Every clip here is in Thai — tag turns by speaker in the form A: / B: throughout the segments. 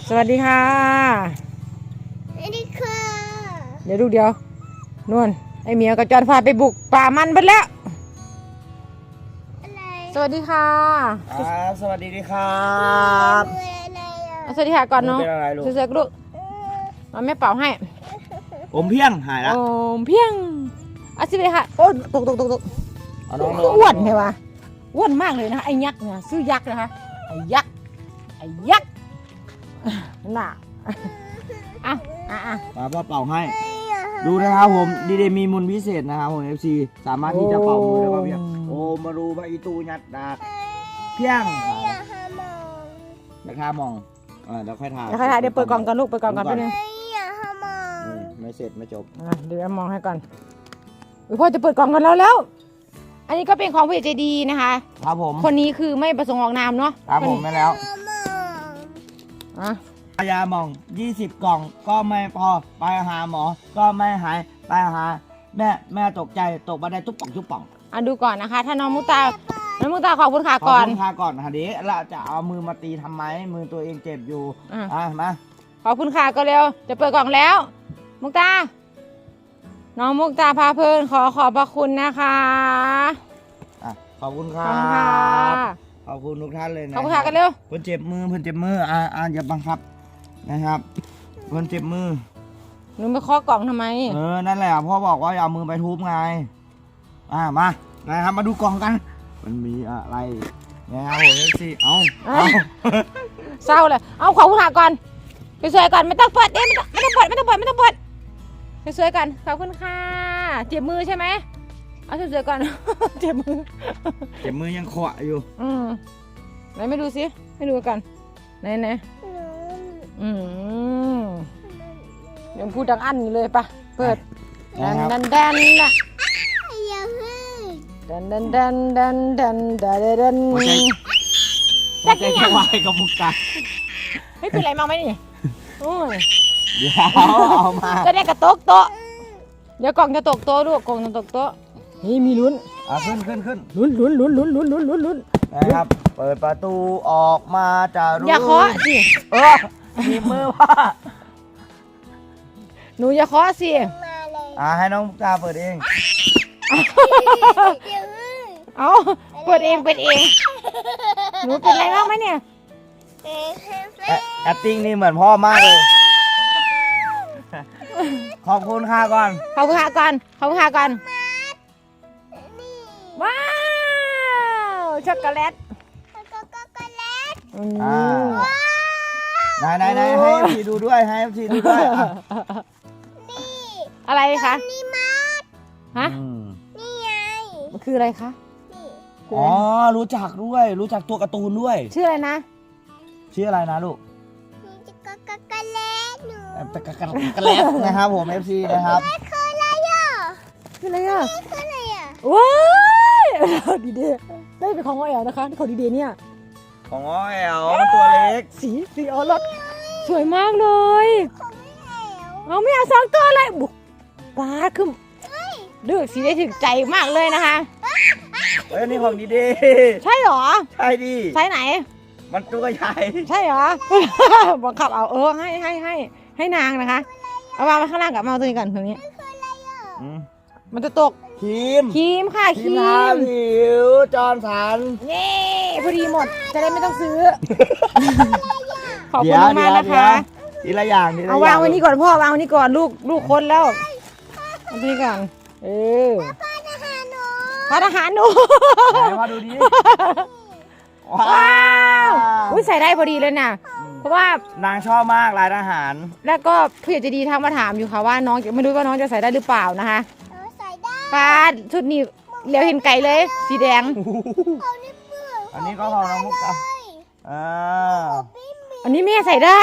A: สวัสดีค่ะ
B: สวัสดีค่ะ
A: เดี๋ยวลูกเดียวนวลไอเมียกับจอนพาไปบุกป่ามันไปแล้ว
B: อะไร
A: สวัสดีค่ะ
C: สวัสดีครับ
A: สวัสดีค่ะก่อนเนาะเสือกลูกมาแม่เป่าให้
C: อมเพียงหายแล้ว
A: อมเพียงสิเลยค่ะโอ้ตกอ้วนใช่ปะอ้วนมากเลยนะไอ้ยักษ์เนี่ยซื้อยักษ์นะคะไอ้ยักษ์น่ะ
C: มาพ่อเป่าให้ดูนะครับผมดีเดมีมุนพิเศษนะครับผม FC สามารถที่จะเป่ามือได้ป่ะเพียงโอ้มาดูพระอีตูยัดดาเพียงราคามองเดี๋ยวค่อยถ่าย
A: เดี๋ยวเปิดกล่องก่อนลูกเปิดกล่องก่อนไปเลย
C: ไม่เสร็จไม่จบ
A: เดี๋ยวมองให้ก่อนพ่อจะเปิดกล่องกันแล้วอันนี้ก็เป็นของผู้ใหญ่ใจดีนะคะ
C: ครับผม
A: คนนี้คือไม่ประสงค์ออกนามเนาะ
C: ครับผมไม่แล้วยาหมอง20 กล่องก็ไม่พอไปหาหมอก็ไม่หายไปหาแม่ตกใจตกบันไดตุ๊บป่อง
A: ดูก่อนนะคะถ้าน้องมุกตาขอบคุณค่ะก่อน
C: ขอบคุณค่ะก่อนค่ะเดี๋ยวเราจะเอามือมาตีทำไมมือตัวเองเจ็บอยู่มา
A: ขอบคุณค่ะก็เร็วจะเปิดกล่องแล้วมุกตาน้องมุกตาพาเพลินขอบพระคุณนะคะ
C: ขอบคุณครับขอบคุณทุกท่านเลยนะ
A: ขอบคุณค่ะกันเร็ว
C: เพื่อนเจ็บมืออย่าบังคับนะครับเพื่อนเจ็บมือ
A: หนูไปเคาะกล่องทำไม
C: นั่นแหละพ่อบอกว่าอย่ามือไปทุบไงมานะครับมาดูกล่องกันมันมีอะไรนะครับผมสิเอา
A: เศร้าเลยเอาขอบคุณค่ะก่อนไปสวยก่อนไม่ต้องเปิดไม่ต้องเปิดไปสวยก่อนขอบคุณค่ะเจ็บมือใช่ไหมเอาสวยก่อนเจ็บ
C: มือยังขวะอยู่
A: ไหนไม่ดูสิไม่ดูกันไหนเดี๋ยวพูดดังอั้นเลยปะเปิดดันนะดัน
C: จะกินยังไงกับมุกตา
A: ไม่เป็นไรมาไหมนี่โอ้ย
C: เดี๋ยวเอามา
A: จะได้กระตกโต๊ะเดี๋ยวกล่องจะตกโต๊ะลูกกล่องจะตกโต๊ะนี่มีลุ้น
C: ขึ้น
A: ลุ้น
C: นะครับเปิดประตูออกมาจะรู้
A: อย่าเคาะสิ
C: มีมือว่า
A: หนูอย่าเคาะสิ
C: ให้น้องมุกตาเปิดเอง
A: เอาเปิดเองหนูเป็นอะไรบ้างไหมเนี่ย
C: acting นี่เหมือนพ่อมากเลยขอบคุณค่ะก่อน
A: ว้าวช็อกโกแลต
C: ไหนให้พี่ดูด้วย
A: อะไรคะ
B: นี่มา
A: ฮะ
B: นี่ไง
A: มันคืออะไรคะ
C: รู้จักตัวการ์ตูนด้วย
A: ชื่ออะไรนะ
C: ลูก
B: ช็อกโกแลตหนู
C: นะครับผม FC นะครับ
B: คืออะไรอ่ะ
A: ว้าวดีเดได้เป็นของอ้อยนะคะของดีเดเนี่ย
C: ของอ้อยมันตัวเล็ก
A: สีออรสสวยมากเลยเอาไม่เอา2 ตัวเลยบุกป้าขึ้นเลือกสีได้ถึงใจมากเลยนะคะ
C: นี่ของดีเด
A: ใช่หรอ
C: ใช่ดิ
A: ใช่ไหน
C: มันตัวใหญ่
A: ใช่หรอบังคับเอาให้นางนะคะเอามาข้างล่างกับมาตัวนี้ก่อนตรงนี้มันจะตก
C: ครีม
A: ค่ะครีม
C: ผิวจอนสัน
A: เย้พอดีหมดจะได้ไม่ต้องซื้อขอบคุณมากนะคะ
C: ทีละอย่าง
A: เอาวางไว้นี่ก่อนพ่อวางไว้นี่ก่อนลูกคนแล้วเอาตัวนี้ก่อนพาทหารหนู
C: มาดูดิ
A: ว้าวใส่ได้พอดีเลยนะเพราะว่าน
C: างชอบมากลายทหาร
A: แล้วก็ผู้ใหญ่ใจดีทักมาถามอยู่ค่ะว่าน้องไม่รู้ว่าน้องจะใส่ได้หรือเปล่านะคะ
B: ใส่ได้
A: ป้าชุดนี้เหลียวเห็นไก่เลยสีแดง
C: อันนี้ก็ของน้องมุกตา
A: อันนี้แม่ใส่ได้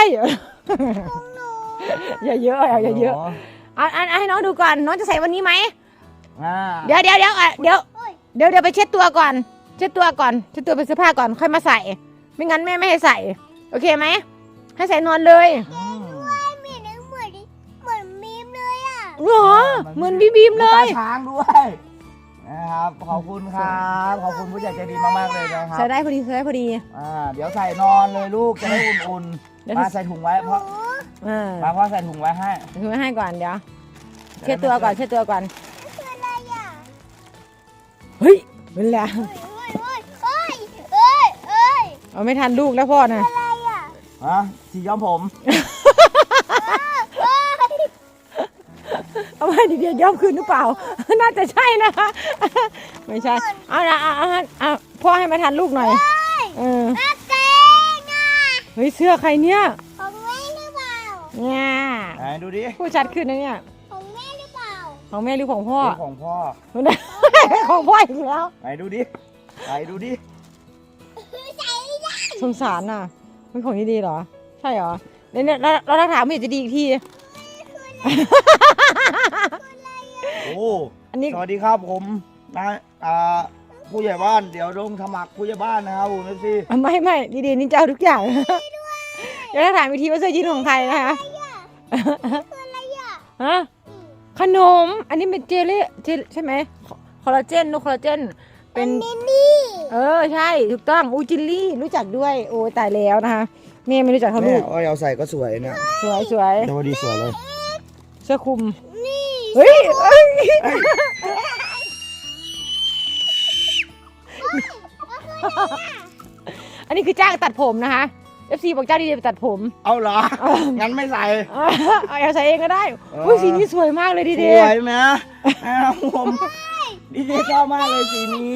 A: อย่าเยอะให้น้องดูก่อนน้องจะใส่วันนี้ไหมเดี๋ยวไปเช็ดตัวก่อนเช็ดตัวเป็นเสื้อผ้าก่อนค่อยมาใส่ไม่งั้นแม่ไม่ให้ใส่โอเคไหมให้ใส่นอนเลย
B: เหมือนบีมเลยอ่ะ
A: เหมือนบีมเลย
C: ช้างด้วยนะครับขอบคุณครับขอบคุณผู้ใหญ่ใจดีมากๆเลยนะครับ
A: ใส่ได้พอดี
C: เดี๋ยวใส่นอนเลยลูกจะได้อุ่นมาใส่ถุงไว้เพราะ มาพ่อใส่ถุงไว้ให้
A: ถุงไว้ให้ก่อนเดี๋ยวเช็ดตัวก่อนเช็ดตัวก่อน
B: คืออะไรอ่ะ
A: เฮ้ยเป็นแล้ว
B: เอ้ย
A: เอาไม่ทันลูกแล้วพ่อน่ะ
B: อะไรอ่ะ
C: ฮะสีย้อมผม
A: เอาไว้เดี๋ยวย้อมคืนหรือเปล่า น่าจะใช่นะคะ ไม่ใช่เอาละเอาพ่อให้มาทันลูกหน่อยเออ
B: เกงอ่ะ
A: เฮ้ยเสื้อใครเนี่ย
B: ของแม่หรือเปล่า
A: เนี่ย
C: ไหนดูดิ
A: ผู้ชัดขึ้นนะเนี่ย
B: ของแม่หรือเปล่า
A: ของแม่หรือของพ่อ
C: ของพ่อ
A: ของพ่ออีกแล้ว
C: ไหนดูดิไหนดูดิ
A: สงสารน่ะมันของดีๆเหรอ ใช่เหรอเนี่ยเราถามมันจะดีอีกที
C: โอ้
A: อันนี้
C: สวัสดีครับผมนะผู้ใหญ่บ้านเดี๋ยวลงสมัครผู้ใหญ่บ้านนะครับผมพี่
A: ไม่ดีๆนี่เจ้าทุกอย่าง เดี๋ยวเราถามอีกทีว่าเสื้อยีนของใครนะคะ
B: คืออะไรอ่ะ
A: ฮะขนม อันนี้เป็นเจลใช่ไหมคอลลาเจนคอลลาเจนเป็น
B: นี่
A: ใช่ถูกต้องอูจิลลี่รู้จักด้วยโอ้ตายแล้วนะคะแม่ไม่รู้จักเขา
C: แม่
A: ลูก
C: เอาใส่ก็สวยเนี่ย
A: สวย
C: แต่ว่าดีสวยเลย
A: เสื้อคลุม
B: นี่
A: เฮ้ย อันนี้คือจ้างตัดผมนะคะ FC บอกจ้างดีๆไปตัดผม
C: เอาเหรอ งั้นไม่ใส่
A: เอาใส่เองก็ได้อุ้ยสีนี้สวยมากเลยดี
C: ส
A: เด
C: วยไหมนะครับผมดีเจชอบมากเลยสีนี้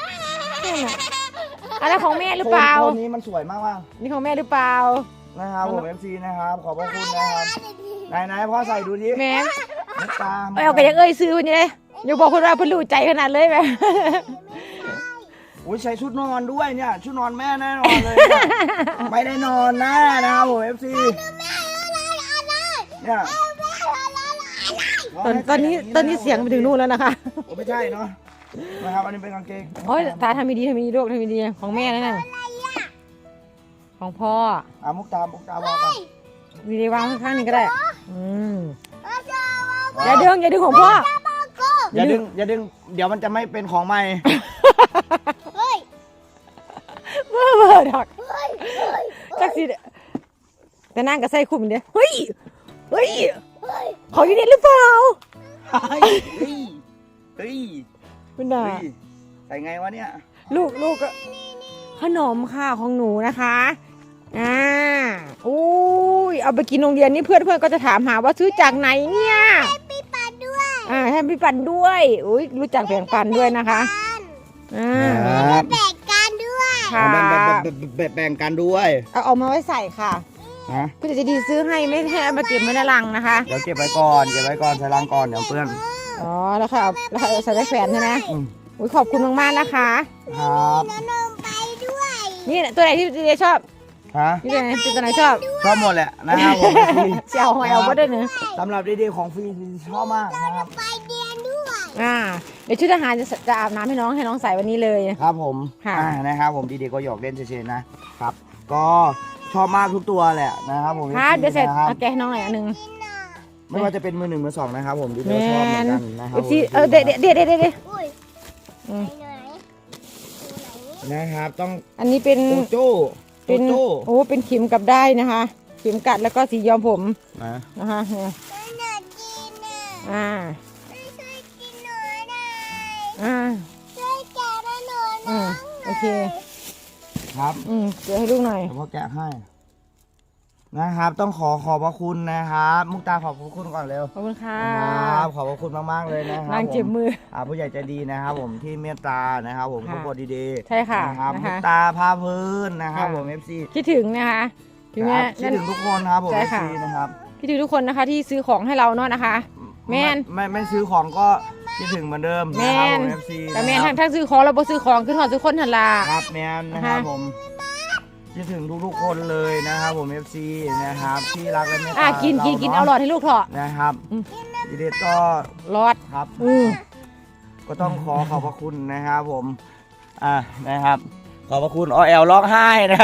A: อันนั้นของแม่หรือเปล่า
C: โทนนี้มันสวยมาก
A: นี่ของแม่หรือเปล่า
C: ๆนะครับผม FC นะครับขอบพระคุณนะครับไหนพ่อใส่ดูดิ
A: แม่
C: มุกตา
A: เอากระยังซื้อวันนี้เลยอย่าบอกคนว่าเพิ่นรู้ใจขนาดเลยแม่
C: อุ้ยใส่ชุดนอนด้วยเนี่ยชุดนอนแม่แน่นอนเลยเนี่ยไม่ได้นอนแน่นะครับผม FC เนี่ย
A: ตอนนี้เสียงไปถึงนู่นแล้วนะคะ
C: โอ้ไม่ใช่เนาะนะครับอันนี้เป็นกางเกง
A: โอ้ยตาทำดีลูกทำดีของแม่นั่นน่ะของพ่อ
C: มุกตาบอกกัน
A: ดีๆวางข้างๆนึงก็ได้อย่าดึงของพ่อ
C: อย่าดึงเดี๋ยวมันจะไม่เป็นของใหม่
B: เฮ้ย
A: เบ้อดอกจักสิแต่นั่งกับใส่คุมเดียวเฮ้ยของดีหรือเปล่า
C: เฮ้ย
A: คุณน่ะ
C: ใส่ไงวะเนี่ย
A: ลูกก็ขนมค่ะของหนูนะคะอุ้ยเอาไปกินโรงเรียนนี่เพื่อนก็จะถามหาว่าซื้อจากไหนเนี่ย
B: พี่ปันด้วย
A: ให้พี่ปันด้วยอุ้ยรู้จักแบ่งปันด้วยนะคะ
C: ครับ
B: แบ่งกันด้วย
A: ค่ะ
C: แบ่งกันด้วย
A: เอาออกมาไว้ใส่ค่ะ
C: ฮะ
A: พี่จะดีซื้อให้ไม่ให้เอามาเก็บไว้ในรังนะคะ
C: เดี๋ยวเก็บไว้ก่อนใส่ลังก่อนเดี๋ยวเพื่อน
A: อ๋อแล้วค่ะแล้วใส่ไว้แขวนใช่ไหมอุ้ยขอบคุณมากๆนะคะ
C: ครับ
B: น้องไปด้วย
A: นี่ตัวไหนที่เจชอบ
C: ฮะ
A: นี่ตัวไหนชอบ
C: ชอบหมดแหละนะครับผม
A: เสี่ยวหอยเอาก็ได้เนื้อ
C: สำหรับดีๆของฟรีชอบมากนะครับ
B: ไปเรียนด้วย
A: เดี๋ยวชุดทหารจะอาบน้ำให้น้องใส่วันนี้เลย
C: ครับผม
A: ค่ะ
C: นะครับผมดีๆก็หยอกเล่นเฉยๆนะครับ ก็ชอบมากทุกตัวแหละนะครับผม
A: ค่ะเดี๋ยวเสร็จ
C: นะครับ
A: เอาแกะให้น้องหน่อยอันหนึง
C: ไม่ว่าจะเป็นมือหนึ่งมือสองนะครับผมดีๆชอบเหมือนกันนะครับผม
A: เดี๋ยว
B: อุ้ย
A: อืม
B: ไหน
C: นะครับต้อง
A: อันนี้เป็น
C: โจโจ้
A: เป็นโอ้เป็นเข็มกลับได้นะคะ เข็มกัดแล้วก็สีย้อมผม
C: นะ
A: นะคะเนี่ย
B: ไม่อยากกิน
A: อ่า
B: อ่ะไม่ช่วยกินหน่อยได้ ช่วยแกะมาหน่อยนะ
A: โอเค
C: ครับ
A: เดี๋ยวให้ลูกหน่อย
C: เดี๋ยวพ่อแกะให้นะครับ ต้องขอบพระคุณนะครับมุกตาขอบพระคุณก่อนเร็ว
A: ขอบคุณค่ะ
C: ครับขอบพระคุณมากๆเลยนะครับ
A: นางเจ็บมือ
C: ผู้ใหญ่ใจดีนะครับผมที่เมตตานะครับผม
A: ค่ะ
C: ทุกคนดีๆ
A: ใช่ค่ะ
C: นะครับ
A: นะคะ
C: มุกตาพาพื้นนะครับผม FC
A: คิดถึงนะคะถึงแม้
C: คิดถึงทุกคนครับผม
A: ใช่
C: FC
A: ค่ะ
C: นะครับ
A: คิดถึงทุกคนนะคะที่ซื้อของให้เราเนาะนะคะ แม่น
C: ไม่ซื้อของก็คิดถึงเหมือนเดิม
A: แม
C: นะครับ
A: น
C: ผม FC
A: แต่แมน
C: นะครับ
A: ทั้งซื้อของเราบ่ซื้อของขึ้นหอดซื้อคนทันลา
C: ครับแมนนะครับ
A: นะคะ
C: ผมคิดถึงทุกๆคนเลยนะครับผม FC นะครับที่รักและเมตตา
A: กิน
C: เนาะ
A: เอาหลอดให้ลูกเถอะ
C: นะครับดีเดก็
A: หลอด
C: ครับก็ต้องขอบพระคุณนะครับผมนะครับ ขอบพระคุณแอลร้องไห้นะครับ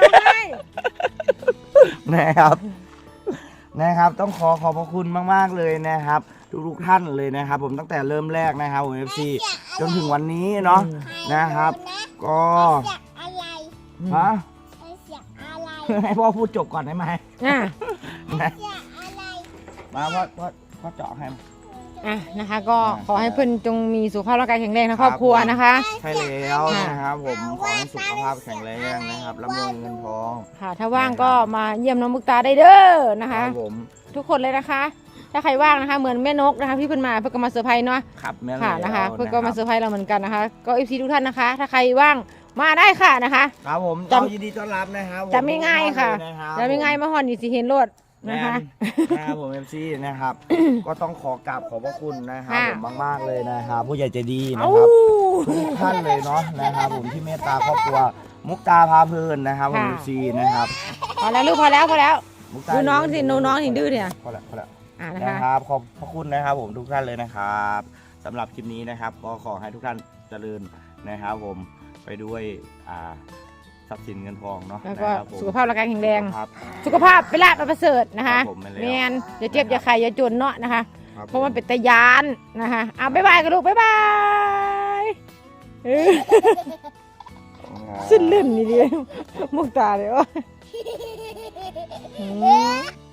C: นะครับต้องขอบพระคุณมากๆเลยนะครับทุกท่านเลยนะครับ ผมตั้งแต่เริ่มแรกนะครับผม FC จนถึงวันนี้เนาะนะครับ ก็
B: เสียงอะไร
C: ฮะ
B: เสียงอะไร
C: ให้พ่อพูดจบก่อนได้ไหม
A: อ่ะ
C: นะ
B: อยากอะไร
C: มาพ่อเจาะให้
A: อ่ะนะคะ ก็ขอให้เพื่อนจงมีสุขภาพร่างกายแข็งแรงนะครอบครัวนะคะ
C: ใช่แล้วนะครับผมขอให้สุขภาพแข็งแรงนะครับร่ำรวยเงินทอง
A: ค่ะ ถ้าว่างก็มาเยี่ยมน้องมุกตาได้เด้อนะ
C: ค
A: คะ
C: รับผม
A: ทุกคนเลยนะคะ ถ้าใครว่างนะคะ เหมือนแม่นกนะคะพี่เพิ่นมาเพื่อก็มาเซอร์ไพรส์เนาะ
C: ครับแม่
A: ค่ะ
C: แล้ว
A: นะคะ เพื่อนก็มาเซอ
C: รับ
A: ร์ไพรส์เราเหมือนกันนะคะ ก็เอฟซีทุกท่านนะคะ ถ้าใครว่างมาได้ค่ะนะคะ
C: ครับผม
A: จำ
C: เรายินดีต้อนรับนะครับผม
A: จำไม่ง่ายค่ะ
C: รับ
A: จะไม่ง่ายมาฮอนนี่สิเห็นรถ
C: นะ
A: นะคะ
C: นะครับผม MC นะครับ ก็ต้องขอกราบขอบพระคุณนะครับ
A: ค่ะ
C: ผมมากๆเลยนะครับผู้ใหญ่ใจดีนะ
A: เอ้า
C: ครับทุกท่านเลยเนาะนะครับผมที่เมตตาครอบครัวมุกตาพาเพลินนะครับผม
A: ค่ะ
C: MC นะครับ
A: พอแล้วลูกพอแล้วพอแล้ว
C: มุกตา
A: ดูน้องสิดูน้องสิดื้อเนี่ย
C: พอแล้ว
A: อ่านะ
C: นะคะ ครับขอบพระคุณนะครับผมทุกท่านเลยนะครับสำหรับคลิปนี้นะครับ ก็ขอให้ทุกท่านเจริญนะครับผมไปด้วยทรัพย์สินเงินทองเนาะ
A: แล้วก็
C: นะครับผม
A: สุขภาพร่างกายแข็งแรง
C: ครับ
A: สุขภาพเป็นลาภอันประเสริฐนะคะ
C: ครับผมไม่แล้ว
A: แมนอย่าเจ็บอย่าไข้อย่าจนเนาะนะคะ
C: ครับ
A: เพราะมันเป็นตะยานนะคะอ่ะบ๊ายบายกันลูกบ๊ายบายเออ
C: ครับ
A: สิ้นลื่นนี่เลยมุกตาเลยวะ